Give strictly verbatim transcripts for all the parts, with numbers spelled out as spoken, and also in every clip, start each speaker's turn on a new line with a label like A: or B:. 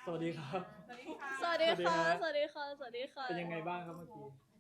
A: สวัสดีครับ
B: สวัสดีค่ะ สวัสดีค่ะ สวัสดีค่ะ
A: เป็นยังไงบ้างครับเมื่อกี้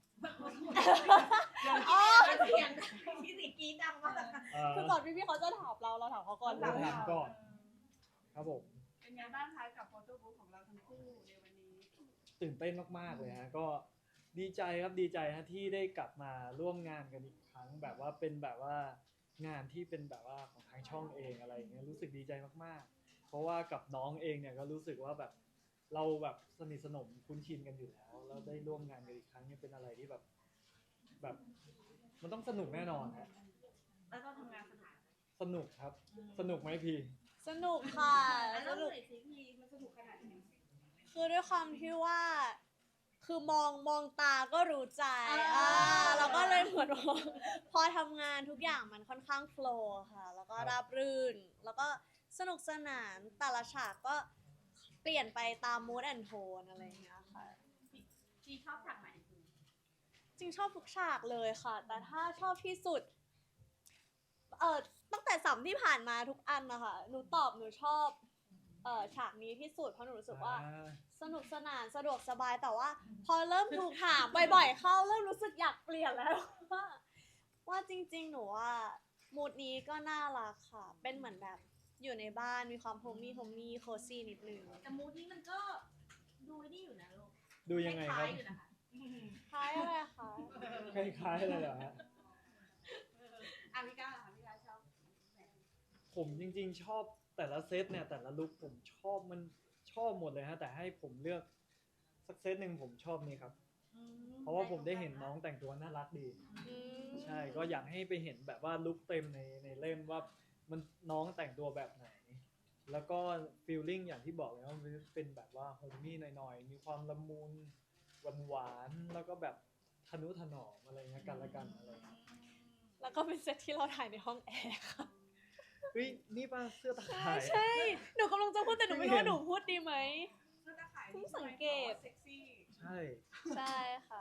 B: อ๋อ
C: เสียงที่สิกีดังมาก
A: เอ่อ
B: คือก่อนพี่พี่ๆเขาจะถามเรา เราถามเขาก่อน
A: เราถามก่อน ครับผม
C: เป็นไงบ้างคะกับโฟโต้บุ๊กของเราทั้งคู่ในวันนี้
A: ตื่นเต้นมากๆเลยฮะ ก็ดีใจครับ ดีใจฮะที่ได้กลับมาร่วมงานกันอีกครั้ง แบบว่าเป็นแบบว่างานที่เป็นแบบว่าของทางช่องเองอะไรอย่างเงี้ย รู้สึกดีใจมากๆ เพราะว่ากับน้องเองเนี่ยก็รู้สึกว่าแบบเราแบบสนิทสนมคุ้นชินกันอยู่แล้ว แล้วได้ร่วมงานกันอีกครั้งเนี่ยเป็นอะไรที่แบบแบบมันต้องสนุกแน่นอนฮะ
C: แล้วก็ทำงานสนุก
A: สนุกครับ สนุกไหมพี่
B: สนุกค่ะ
C: แล้ว
B: ส
C: เรื่อง
B: นุก
C: ไหนสิพีมันสนุกขนาดไหน
B: คือด้วยความที่ว่า คือมองมองตาก็รู้ใจ
C: อ่า
B: อ่าเราก็เลยเหมือนว่า พอทำงานทุกอย่างมันค่อนข้างโฟลว์ค่ะ แล้วก็ราบรื่น แล้วก็สนุกสนาน แต่ละฉากก็เปลี่ยนไปตาม mood and tone อะไรอย่างเงี้ยค่ะ
C: พีชอบฉากไหน
B: จริงชอบทุกฉากเลยค่ะ แต่ถ้าชอบที่สุด เอ่อ ตั้งแต่สัมที่ผ่านมาทุกอันนะคะ หนูตอบหนูชอบ เอ่อ ฉากนี้ที่สุด เพราะหนูรู้สึกว่า สนุกสนานสะดวกสบาย แต่ว่าพอเริ่มถูกถามบ่อยๆเข้า เริ่มรู้สึกอยากเปลี่ยนแล้ว ว่า ว่าจริงๆ หนูว่ามูดนี้ก็น่ารักค่ะ เป็นเหมือนแบบอยู่ในบ้านมีความโฮมมี่โฮมมี่โคซี่นิดนึง
C: แต่มูดนี้มันก็ดูนี่อยู่นะลูก
A: ดูยังไงครับ
C: ล้ายๆอยู่นะคะ
B: คล้ายอะไรคะ
A: คล้ายๆเลยเหรอฮะ
C: อ่ะพี่ก้าวค่ะพี่ก้าวชอบแบบ
A: ผมจริงๆชอบแต่ละเซตเนี่ยแต่ละลุคผมชอบมันชอบหมดเลยฮะแต่ให้ผมเลือกสักเซตหนึ่งผมชอบนี่ครับ
C: อืม
A: เพราะว่าผมได้เห็นน้องแต่งตัวน่ารักดี
B: อืม
A: ใช่ก็อยากให้ไปเห็นแบบว่าลุคเต็มในในเล่มว่ามันน้องแต่งตัวแบบไหน แล้วก็ฟีลลิ่งอย่างที่บอกเลยว่ามันเป็นแบบว่าโฮมมี่หน่อยๆมีความละมุนหวานๆแล้วก็แบบทนุถนอมอะไรเงี้ยกันละกันอะไรเงี้ย
B: แล้วก็เป็นเซตที่เราถ่ายในห้องแอร์ค่ะ
A: เฮ้ยนี่ป่ะเสื้อตา
B: ใช่
A: ข่าย
B: ใช่ หนูกำลังจะพูดแต่หนูไม่รู้ว่าหนูพูดดีไหม
C: เสื้อตาข่าย
B: เพิ่งสังเกต
C: เซ็กซี่
A: ใช่
B: ใช่ค่ะ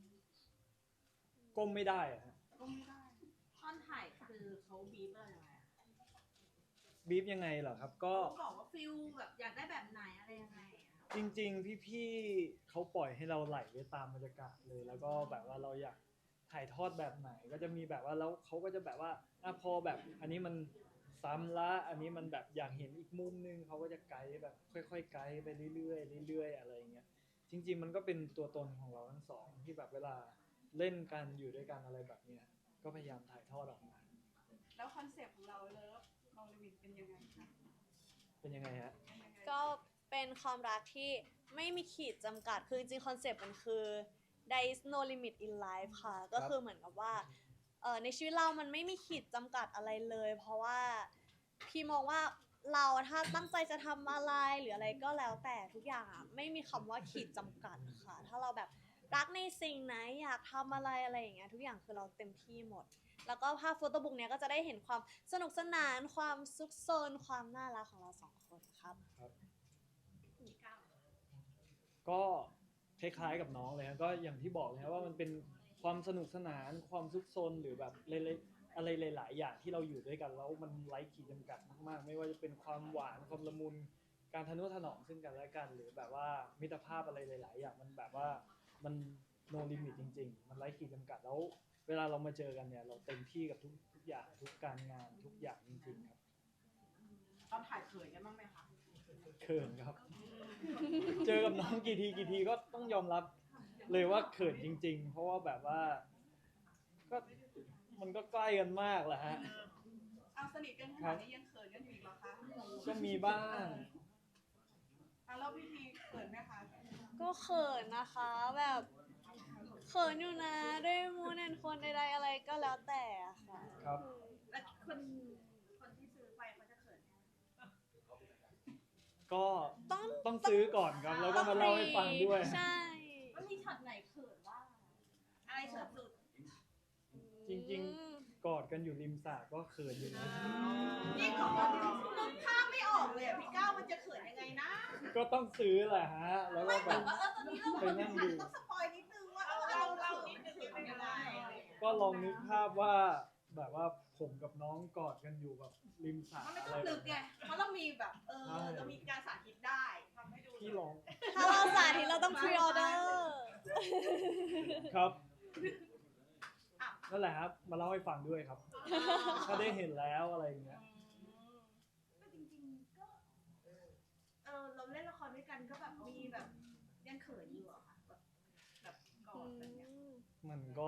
A: ก้มไม่ได้อะฮะ
C: ก็ไม่ได้ท่อนถ่ายคือเขาบีบเราอย่างไรอะ
A: บีฟยังไงเหรอครับก็
C: เขาบอกว่าฟิลแบบอยากได้แบบไหนอะไรยังไงอะ
A: จริงๆ พี่ๆเขาปล่อยให้เราไหลไปตามบรรยากาศเลย แล้วก็แบบว่าเราอยากถ่ายทอดแบบไหน ก็จะมีแบบว่าแล้วเขาก็จะแบบว่าอ่ะพอแบบอันนี้มันซ้ำละอันนี้มันแบบอยากเห็นอีกมุมนึงเขาก็จะไกด์แบบค่อยๆไกด์ไปเรื่อยๆเรื่อยๆอะไรอย่างเงี้ยจริงๆมันก็เป็นตัวตนของเราทั้งสองที่แบบเวลาเล่นกันอยู่ด้วยกันอะไรแบบเนี้ยก็พยายามถ่ายทอดออกมา
C: แล้วคอนเซปต์ของเราเลิฟโนลิมิตเป็นยังไงคะ
A: เป็นยังไงฮะ
C: เป็นยังไง
B: ก็เป็นความรักที่ไม่มีขีดจำกัด คือจริงๆคอนเซปต์มันคือ there is no limit in life ค่ะ ก็คือเหมือนกับว่าเอ่อในชีวิตเรามันไม่มีขีดจำกัดอะไรเลย เพราะว่าพี่มองว่าเราถ้าตั้งใจจะทำอะไรหรืออะไรก็แล้วแต่ทุกอย่างอะไม่มีคำว่าขีดจำกัดค่ะ ถ้าเราแบบรักในสิ่งไหนอยากทำอะไรอะไรอย่างเงี้ยทุกอย่างคือเราเต็มที่หมด แล้วก็ภาพโฟโต้บุ๊กเนี้ยก็จะได้เห็นความสนุกสนานความซุกซนความน่ารักของเราสองคนครับ
C: พี่ก้าว
A: ก็คล้ายๆกับน้องเลยครับก็อย่างที่บอกเลยครับว่ามันเป็นความสนุกสนานความซุกซนหรือแบบเล็กๆอะไรหลายๆอย่างที่เราอยู่ด้วยกันแล้วมันไร้ขีดจำกัดมากๆ ไม่ว่าจะเป็นความหวานความละมุนการทนุถนอมซึ่งกันและกัน หรือแบบว่ามิตรภาพอะไรหลายๆอย่างมันแบบว่ามันโนลิมิตจริงๆ มันไร้ขีดจำกัดแล้วเวลาเรามาเจอกันเนี่ยเราเต็มที่กับทุกทุกอย่างทุกการงานทุกอย่างจริงๆครับ
C: ตอนถ่ายเขินกันบ้างไหมคะ
A: เขินครับ เจอกับน้องกี่ทีกี่ทีก็ต้องยอมรับเลยว่าเขินจริงๆ เพราะว่าแบบว่าก็มันก็ใกล้กันมากแหละฮะ
C: เอาสนิทกันขนาดนี้ยังเขินกันอยู่อีกเหรอคะ
A: ก็มีบ้าง
C: เอาแล้วพี่พีเขินไหมคะ
B: ก็เขินนะคะแบบเขินอยู่นะด้วยมูนแอนคนใดๆอะไรก็แล้วแต่อะค่ะ
A: ครับ
C: แล้วคนคนที่ซื้อไปเขาจะเขินไหม
A: ก็
B: ต้อง
A: ต้องซื้อก่อนครับ แล้วก็มาเล่าให้ฟังด้วย
B: ใช่
C: มันมีช็อตไหนเขินบ้างอะไรเขินสุด
A: จริงๆ กอดกันอยู่ริมสระก็เขินอยู่นะ
C: นี่ของเรานึกภาพไม่ออกเลยอ่ะพี่ก้าวมันจะเขินยังไงนะ
A: ก็ต้องซื้อแหละฮะ แล้วก็
C: ไม่
A: แบ
C: แบบ
A: บ
C: ว่าเออตอนนี้เรา
A: ไปนั่งดู
C: ต้องสปอยนิดนึงว่าเออเราเขินมันเขินเป็นยังไง
A: ก็ลองนึกภาพว่าแบบว่าผมกับน้องกอดกันอยู่แบบริมสระ
C: มันไม่
A: อะ
C: ต้
A: ไร
C: อง
A: แบ
C: นึ
A: บ
C: กไง
A: เนี้ย
C: เพราะเรามีแบบเออ
A: ใช่
C: เรามีการสาธิตได้ทำให้ดู
A: พี่ล
B: เราต้องพรีออเดอร์
A: ครับนั่นแหละครับมาเล่าให้ฟังด้วยครับ ถ้าได้เห็นแล้วอะไรอย่างเงี้ย
C: ก็จริงๆก็เออเราเล่นละครด้วยกันก็แบบมีแบบยังเขินอยู่อะค่ะแบบแบบกอดกันเนี่ย
A: มันก็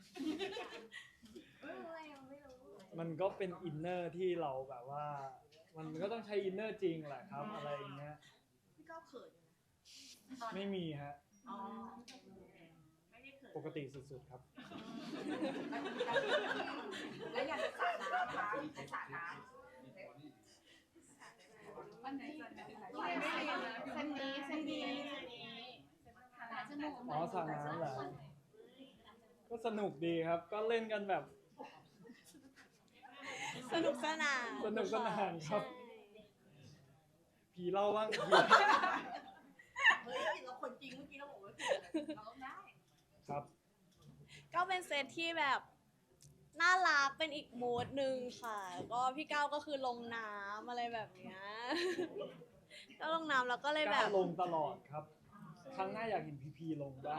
C: เอออะไรยังไม่รู้
A: มันก็เป็นอินเนอร์ที่เราแบบว่า มันก็ต้องใช้อินเนอร์จริงแหละครับ อะไรอย่างเงี้ย
C: พี่ก้าวเขินอยู่นะตอน
A: ไม่มีฮะ
C: อ๋อไม่ได้เขิน
A: ปกติสุดๆครับ
C: แล้วอยากจะสาดน้ำนะคะจะสาดน้ำวันไหนจะไม่เรียนนะเส้นนี้เส้นนี้
A: อ๋อสระน้ำเหรอ ก็สนุกดีครับ ก็เล่นกันแบบ
B: สนุกสนาน
A: สนุกสนานครับ
B: ใช่
A: ผีเล่าบ้างผี
C: เฮ้ยเราคนจริงเมื่อกี้เราบอกว่าเราต้องได้
A: ครับ
B: ก็เป็นเซตที่แบบน่ารักเป็นอีกโหมดหนึ่งค่ะ ก็พี่ก้าวก็คือลงน้ำอะไรแบบเนี้ย ก็ลงน้ำแล้วก็เลยแบ
A: กล้า
B: บ
A: ลงตลอดครับ ครั้งหน้าอยากเห็นพีพีลงบ้าง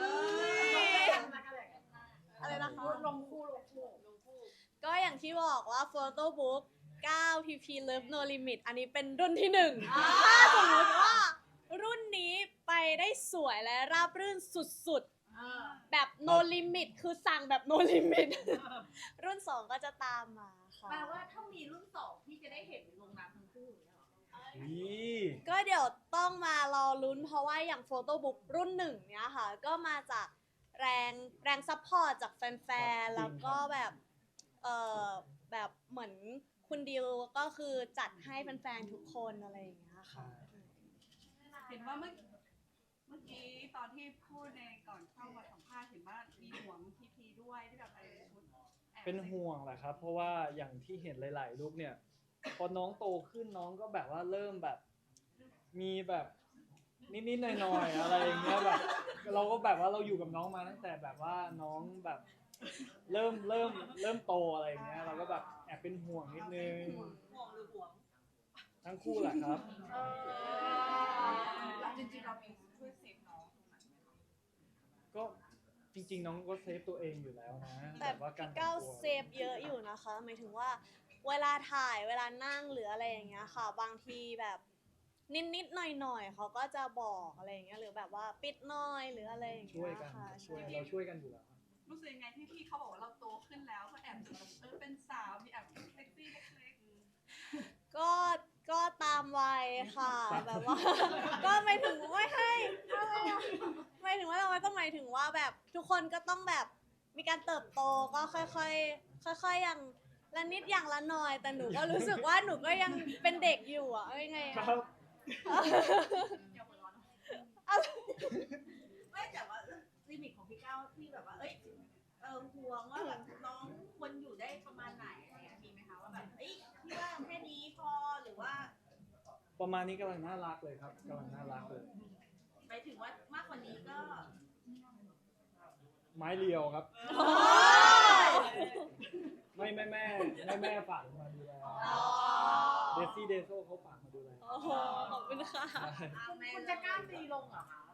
B: อะไรนะคะ
C: ลงคู่ลงคู่ลงคู่
B: ก็อย่างที่บอกว่า Photo Book เก้า พี พี Love No Limit อันนี้เป็นรุ่นที่หนึ่งถ้าสมมติว่ารุ่นนี้ไปได้สวยและราบรื่นสุดๆ แบบ No Limit คือสั่งแบบ No Limit รุ่นสองก็จะตามมาค่ะ
C: แปลว่าถ้ามีรุ่นสองพี่จะได้เห็นลงน้ำทั้งคู่อย่างเงี้ยเหรอ
A: นี่
B: ก็เดี๋ยวต้องมารอลุ้นเพราะว่าอย่างโฟโต้บุ๊กรุ่นหนึ่งเนี้ยค่ะ ก็มาจากแรงแรงซัพพอร์ตจากแฟนๆ แล้วก็แบบเออแบบเหมือนคุณดิวก็คือจัดให้แฟนๆ ทุกคนอะไรอย่างเงี้ยค่ะ
D: เห็นว่าเมื่อเมื่อกี้ตอนที่พูดในก่อนเข้ามาสัมภาษณ์เห็นว่ามีห่วงพีพีด้วยที่แบบอะไรชุดแอบ
A: เป็นห่วงแหละครับ เพราะว่าอย่างที่เห็นหลายๆรูปเนี่ย พอน้องโตขึ้นน้องก็แบบว่าเริ่มแบบ มีแบบนิดๆหน่อยๆอะไรอย่างเงี้ยแบบ เราก็แบบว่าเราอยู่กับน้องมาตั้งแต่แบบว่าน้องแบบ เริ่มเริ่มเริ่มโตอะไรอย่างเงี้ย เราก็แบบแอบเป็นห่วงนิดนึง
C: ห่วงหรือห่วง
A: ทั้งคู่แหละครับ
C: เออจริงๆเรามีช่วยเซฟน้องตรงไหนไหมคะ
A: ก็จริงๆน้องก็เซฟตัวเองอยู่แล้วนะ
B: แต่
A: ว่าการ
B: พี่
A: แต่
B: ก้าง ว
A: ตัว
B: เซฟเยอะอยู่นะคะหมายถึงว่าเวลาถ่ายเวลานั่งหรืออะไรอย่างเงี้ยค่ะ บางทีแบบนิดๆหน่อยๆเขาก็จะบอกอะไรอย่างเงี้ยหรือแบบว่าปิดหน่อยหรืออะไรอย่าง
A: ช่ว
B: เงี้
A: ย
B: ย
A: กัน
B: ค่ะ
A: ช่วย
B: ใช่
A: เราช่วยกันอยู่แล้ว
D: รู้สึกยังไงที่พี่เขาบอกว่าเราโตขึ้นแล้วก็แอบแบบเออเป็นสาวมีแอบเซ็กซี่เล็ก
B: ก็ก็ตามวัยค่ะ แบบว่า ก็ไม่ถึงไม่ให้อะไรอะไม่ถึงว่าเราก็หมายถึงว่าแบบทุกคนก็ต้องแบบมีการเติบโตก็ค่อยๆค่อยๆอย่างละนิดอย่างละหน่อย แต่หนูก็รู้สึกว่าหนูก็ยังเป็นเด็กอยู่อะเอายังไง
A: ค
B: อะ
A: รับ
C: อย่าหัวร้อนไม่แต่ว่าลิมิตของพี่ก้าวที่แบบว่าเอ้ยเออห่วงว่าแบบน้องควรอยู่ได้ประมาณไหนอะไรเงี้ยมีไหมคะว่าแบบเอ้ยพี่ว่าแค่นี้พอหรือว่า
A: ประมาณนี้กำลังน่ารักเลยครับกำลังน่ารักเลย
C: หมายถึงว่ามากกว่านี้ก็
A: ไม้เรียวครับ ไม่แม่แม่แม่แม่ฝากมาดูแลเดซี่เดโซเขาฝากมาดูแล
B: โอ้โหขอบคุณค่ะ
C: คุณจะกล้าตีลงเหรอคะ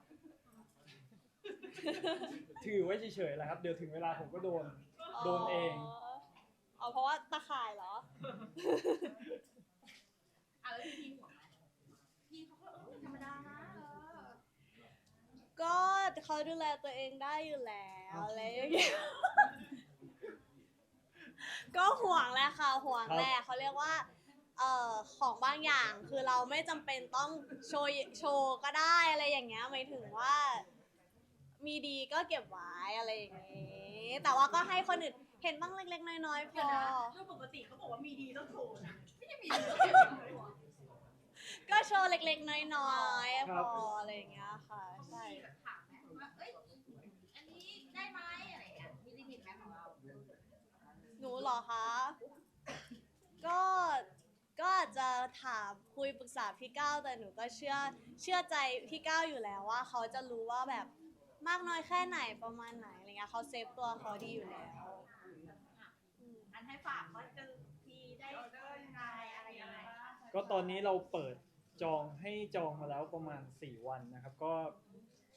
A: ถือไว้เฉยๆแหละครับ เดี๋ยวถึงเวลาผมก็โดน โดนเอง
B: อ๋อเพราะว่าตะข่ายเหรอ
C: อ่ะแล้วพี่พี่ห่วงไหมพี่เขาก็เออธรรมดานะเออ
B: ก็เขาดูแลตัวเองได้อยู่แล้วอะไรอย่างเงี้ย ก็ห่วงแหละค่ะห่วงแหละเขาเรียกว่าเอ่อของบางอย่างคือเราไม่จำเป็นต้องโชว์โชว์ก็ได้อะไรอย่างเงี้ยหมายถึงว่า มีดีก็เก็บไว้อะไรอย่างเงี้ยแต่ว่าก็ให้คนอื่นเห็นบ้างเล็กๆน้อยๆพ
C: เดี๋ยว
B: อ
C: นะโดยปกติเขาบอกว่ามีดีต้องโชว์นะไม่ใช่มีดีต้องโชว์
B: ก็โชว์เล็กๆน้อยๆ
A: ค
B: พ
A: รับ
B: ออะไรอย่างเงี้ยค่ะใช่
C: มีแบบถามไหมว่าเอ้ยอันนี้ได้ไหมอะไรอย่างเงี้ยมีลิมิตไหมของเรา
B: หนูเหรอคะ ก็ก็อาจจะถามคุยปรึกษาพี่ก้าวแต่หนูก็เชื่อเชื่อใจพี่ก้าวอยู่แล้วว่าเขาจะรู้ว่าแบบมากน้อยแค่ไหนประมาณไหนอะไรเงี้ยเขาเซฟตัวเขาดีอยู่แล้วอืม
C: อันให้ฝากว่าจะทีได้ยังไงอะไรยังไง
A: ก็ตอนนี้เราเปิดจองให้จองมาแล้วประมาณสี่วันนะครับ ก็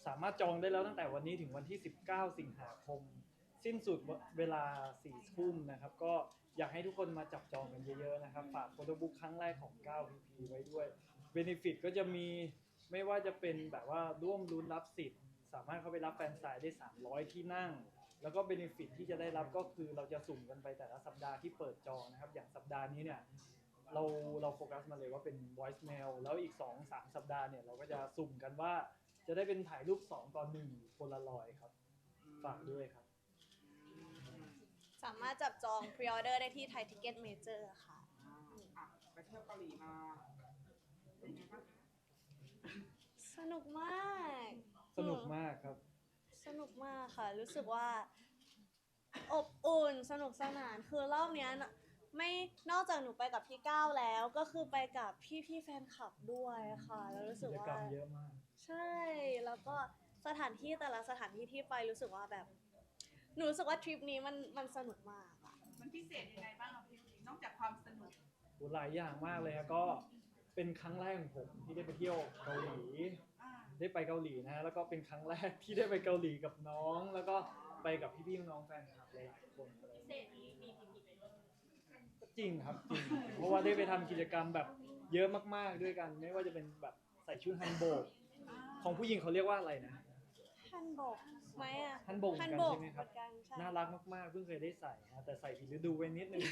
A: สามารถจองได้แล้วตั้งแต่วันนี้ถึงวันที่สิบเก้าสิงหาคม สิ้นสุดเวลาสี่ทุ่มนะครับ ก็อยากให้ทุกคนมาจับจองกันเยอะๆนะครับ ฝากโฟโต้บุ๊กครั้งแรกของ 9 พี พี ไว้ด้วย เบเนฟิตก็จะมีไม่ว่าจะเป็นแบบว่าร่วมลุ้นรับสิทธิ์ สามารถเข้าไปรับแฟนไซน์ได้ สามร้อย ที่นั่ง แล้วก็เบเนฟิตที่จะได้รับก็คือเราจะสุ่มกันไปแต่ละสัปดาห์ที่เปิดจองนะครับ อย่างสัปดาห์นี้เนี่ยเราเราโฟกัสมาเลยว่าเป็น voice mail แล้วอีก สองสาม สัปดาห์เนี่ยเราก็จะสุ่มกันว่าจะได้เป็นถ่ายรูปสองต่อหนึ่งโพลารอยด์ครับ ฝากด้วยครับ
B: สามารถจับจอง พรีออเดอร์ ได้ที่ไทยทิเก็ตเมเจอร์ค่ะ
E: อ่าอ่ะไปเที่ยวเกาหลีมาเป็นไงบ้างคะ
B: สนุกมาก
A: สนุกมากครับ
B: สนุกมากค่ะ รู้สึกว่า อบอุ่นสนุกสนานคือรอบเนี้ยน่ะไม่นอกจากหนูไปกับพี่ก้าวแล้ว ก็คือไปกับพี่พี่ๆแฟนคลับด้วยค่ะ แล้วรู้สึ
A: กิ
B: ก
A: จ
B: ว่าก
A: รรมเยอะมาก
B: ใช่ แล้วก็สถานที่แต่ละสถานที่ที่ไปรู้สึกว่าแบบ หนูรู้สึกว่าทริปนี้มันมันสนุกมากอะ
D: มันพิเศษยังไงบ้างครับพี่นอกจากความสนุก
A: โหหลายอย่างมากเลยครับก็เป็นครั้งแรกของผมที่ได้ไปเที่ยวเกาหลี
D: อ่า
A: ได้ไปเกาหลีนะฮะแล้วก็เป็นครั้งแรกที่ได้ไปเกาหลีกับน้อง แล้วก็ไปกับพี่ๆน้องๆแฟนคลับหลายๆคนอะไรอย่าง
C: เศ
A: เงี้ย
C: ษนี้มีพีพีไปด้วย
A: จริงครับจริง เพราะว่าได้ไปทำกิจกรรมแบบเยอะมากๆด้วยกัน ไม่ว่าจะเป็นแบบใส่ชุดฮันโบกของผู้หญิงเขาเรียกว่าอะไรนะ
B: ฮันบกไหมอะ
A: ฮันโบกเหมื
B: ฮั
A: อน นกัน
B: บก
A: ใช่ไหมครับ
B: เหมือนกันใช่
A: น่ารักมากๆเพิ่งเคยได้ใส่นะแต่ใส่ผิดฤดูไปนิดนึง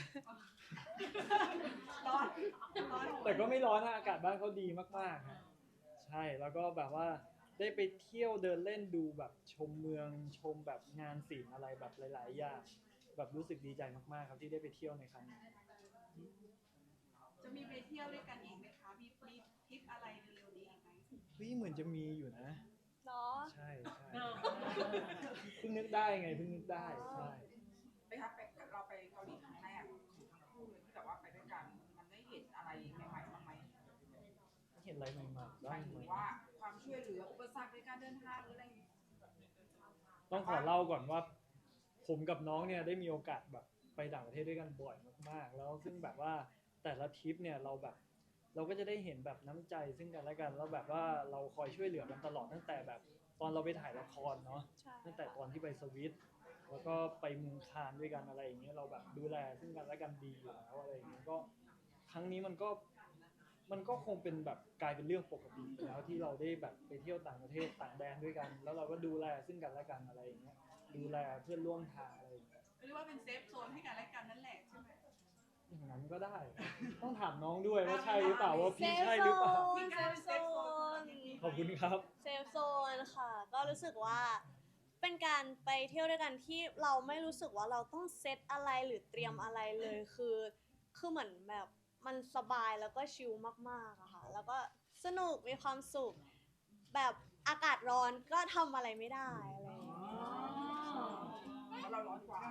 D: ร้อนร้อน
A: แต่ก็ไม่ร้อนนะอากาศบ้านเขาดีมากๆครับใช่แล้วก็แบบว่าได้ไปเที่ยวเดินเล่นดูแบบชมเมืองชมแบบงานศิลป์อะไรแบบหลายๆอย่างแบบรู้สึกดีใจมากๆครับที่ได้ไปเที่ยวในครั้งนี้
D: จะมีไปเที่ยวด้วยกันอีกไหมคะ มีทริปทริปอะไรเร็วๆนี้อีกไหม
A: เฮ้ยเหมือนจะมีอยู่นะ
B: เนาะ
A: ใช่ใช่เพิ่งนึกได้ไงเพิ่งนึกได้ใช่
E: ไปครับไปเราไปเกาหลีครั้งแรกของทั้งคู่เลยที่แบบว่าไปด้วยกัน มันได้เห็นอะไรใหม่ๆบ้างไหม
A: เห็นอะไรใหม่ๆ
E: ห
A: บ้าม
E: าง ย
A: ไห
E: ถึ
A: ม
E: งว่าความช่วยเหลืออุปสรรคในการเดินทางหรืออะไรอย่างเงี้ย
A: ต้องขอเล่าก่อนว่า ผมกับน้องเนี่ยได้มีโอกาสแบบไปต่างประเทศด้วยกันบ่อยมากๆ แล้วซึ่งแบบว่าแต่ละทริปเนี่ยเราแบบ เราก็จะได้เห็นแบบน้ำใจซึ่งกันและกันแล้วแบบว่าเราคอยช่วยเหลือกันตลอดตั้งแต่แบบตอนเราไปถ่ายละครเนาะ
B: ใช่
A: ตั้งแต่ตอนที่ไปสวิตแล้วก็ไปเมืองคานด้วยกันอะไรอย่างเงี้ยเราแบบดูแลซึ่งกันและกันดีอยู่แล้วอะไรอย่างเงี้ยก็ครั้งนี้มันก็มันก็คงเป็นแบบกลายเป็นเรื่องปกติไปแล้วที่เราได้แบบไปเที่ยวต่างประเทศต่างแดนด้วยกัน แล้วเราก็ดูแลซึ่งกันและกันอะไรอย่างเงี้ยดูแลเพื่อนร่วมทางอะไรอย่างเงี้ย
D: เรียกว่าเป็นเซฟโซนให้กันและกันนั่นแหละใช่ไหม
A: อย่างนั้นก็ได้ ต้องถามน้องด้วยว่าใช่หรือเปล่าว่า
B: เซ
A: พี่
B: ฟ
A: ใช่
B: โซ
A: หรือเปล่า
B: นเซฟโซน
A: ขอบคุณครับ
B: เซฟโซนค่ะ ก็รู้สึกว่าเป็นการไปเที่ยวด้วยกันที่เราไม่รู้สึกว่าเราต้องเซตอะไรหรือเตรียมอะไรเลยคือคือเหมือนแบบมันสบายแล้วก็ชิลมากๆอะค่ะ แล้วก็สนุกมีความสุข แบบอากาศร้อนก็ทำอะไรไม่ได้อะไรอย่างเงี้ย
E: เพราะเราร้อนกว่า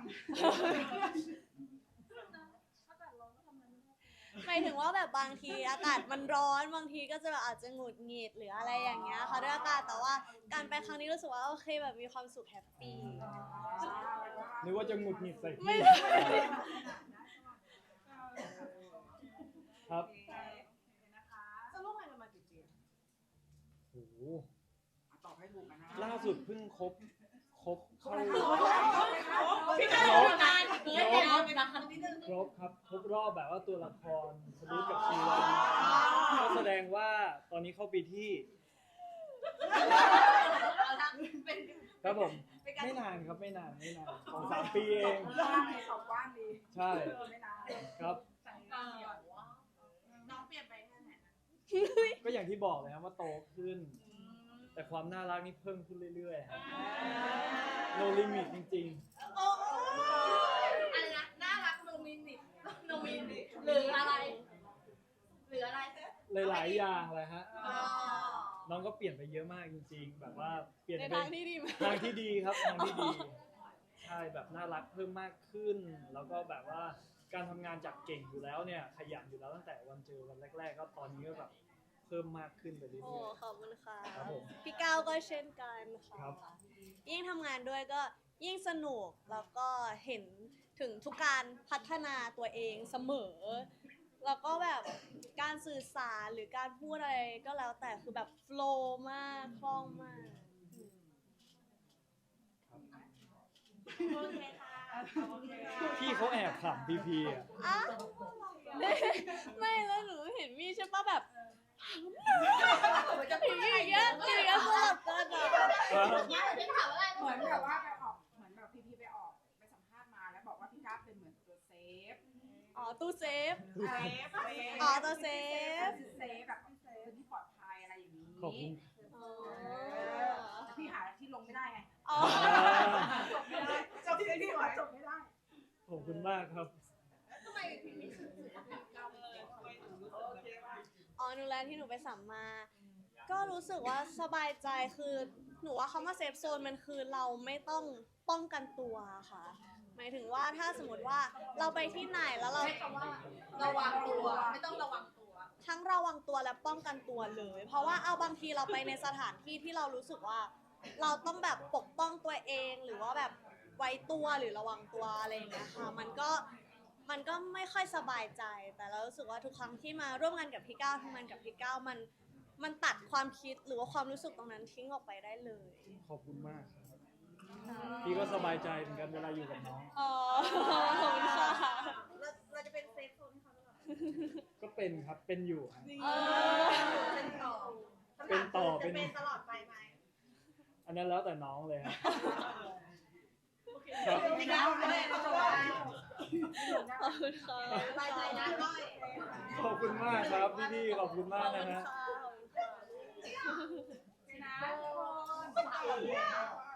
B: หมายถึงว่าแบบบางทีอากาศมันร้อนบางทีก็จะแบบอาจจะหงุดหงิดหรืออะไรอย่างเงี้ยค่ะด้วยอากาศแต่ว่าการไปครั้งนี้รู้สึกว่าโอเคแบบมีความสุขแฮปปี้
A: นึกว่าจะหงุดหงิดใส่
B: ไม่
A: พี่
B: ได้
A: ครับ
D: โอเคนะคะ
C: จะร่วมงานกันมากี่ปี
A: โอ้โห
E: ตอบให้ถูกกันนะ
A: ล่าสุดเพิ่งครบครบเข้า
C: พี่ก้าวทำงานเฮ้ยเดี๋ยวนะนิดนึง
A: ครบครับครบรอบแบบว่าตัวละครสรุปกับชีวันก็แสดงว่าตอนนี้เข้าปีที่
C: เอาละเป็น
A: ครับผม
C: เป็นการ
A: ไม่นานครับไม่นานไม่นานสองสามปีเอง
E: กว้างเลยตอบกว้างดี
A: ใช่
E: ไม่นาน
A: ครับ
C: เออน้องเปลี่ยนไปแค่ไหนนะ
A: ก็อย่างที่บอกเลยครับว่าโตขึ้น แต่ความน่ารักนี่เพิ่มขึ้นเรื่อยๆครับ no limit จริง
C: โอ้อะไรนะน่ารักโนมินิโนมินิหรืออะไร หรืออะไร
A: ๆ หลายๆอย่างเลยฮะ
C: อ๋อ
A: น้องก็เปลี่ยนไปเยอะมากจริง ๆ แบบว่าเปลี่ยน
B: ใน
A: ไป
B: ทางที่ดีมาก
A: ทางที่ดีครับทางที่ดี ใช่แบบน่ารักเพิ่มมากขึ้น แล้วก็แบบว่าการทำงานจากเก่งอยู่แล้วเนี่ยขยันอยู่แล้วตั้งแต่วันเจอวันแรก ๆ ก็ตอนนี้ก็แบบเพิ่มมากขึ้นไปเรื่
B: โอ้
A: อย
B: ขอบคุณค่ะ
A: ครับผม
B: พี่ก้าวก็เช่นกันค่ะ
A: ครับ
B: ยิ่งทำงานด้วยก็ยิ่งสนุกแล้วก็เห็นถึงทุกการพัฒนาตัวเองเสมอ แล้วก็แบบการสื่อสารหรือการพูดอะไรก็แล้วแต่คือแบบโฟล์มากคล่องมากอืม
C: โอเคค่ะโอเคค่ะ
A: พี่เขาแอบขำพีพีอ่ะ
B: อ่ะไม่แล้วหนูเห็นมี่ใช่ปะแบบอย่างเงี้ยอย่างเงี้ยอย่างเงี้ยสลับกันอ่ะ
E: เหมือนแบบว่าไปออกเหมือนแบบพีพีไปออกไปสัมภาษณ์มาแล้วบอกว่าพี่ก้าวเป็นเหมือนตัวเซฟ
B: อ๋อตู้เซฟ
E: เซฟ
B: อ๋อตัวเซฟ
E: เซฟแบบเป็นที่ปลอดภัยอะไรอย่างนี้
A: ขอบคุณ
B: อ๋อ
E: แต่พี่หาที่ลงไม่ได้ไง
B: อ๋อ
E: จบไม่ได้จบที่ที่หาจบไม่ได้
A: ขอบคุณมากครับ
B: อ๋อหนูแลนที่หนูไปสัมมา ก็รู้สึกว่าสบายใจคือหนูว่าคำว่าเซฟโซนมันคือเราไม่ต้องป้องกันตัวค่ะ หมายถึงว่าถ้าสมมติว่าเราไปที่ไหนแล้วเรา
C: ใช้คำว่าระวังตัวไม่ต้องระวังตัว
B: ทั้งระวังตัวและป้องกันตัวเลย เพราะว่าเอาบางทีเราไปในสถานที่ที่เรารู้สึกว่า เราต้องแบบปกป้องตัวเองหรือว่าแบบไว้ตัวหรือระวังตัวอะไรอย่างเงี้ยค่ะ มันก็มันก็ไม่ค่อยสบายใจ แต่เรารู้สึกว่าทุกครั้งที่มาร่วมงานกับพี่ก้าวทำงานกับพี่ก้าวมันมันตัดความคิดหรือว่าความรู้สึกตรงนั้นทิ้งออกไปได้เลย
A: ขอบคุณมากครับ พี่ก็สบายใจเหมือนกันเวลาอยู่กับน้อง
B: อ๋อขอบคุณค่ะ
C: เราเราจะเป็นเซฟโซนให้เขาหรือเปล่า
A: ก็เป็นครับ เป็นอยู่ครับ
B: เออ
C: เป็นต่อ
A: เป็นต่อ
C: จะ
A: เป็น
C: เป็นตลอดไปไหม
A: อันนั้นแล้วแต่น้องเลยครับ
C: พี่ก้าวเลยเราจะว่า
B: ขอบคุณค่ะ
C: สบายใจนะก้อย
A: ขอบคุณมากครับพี่ๆขอบคุณมากนะฮะ
B: ขอบคุณค่ะ
E: นะทุกคน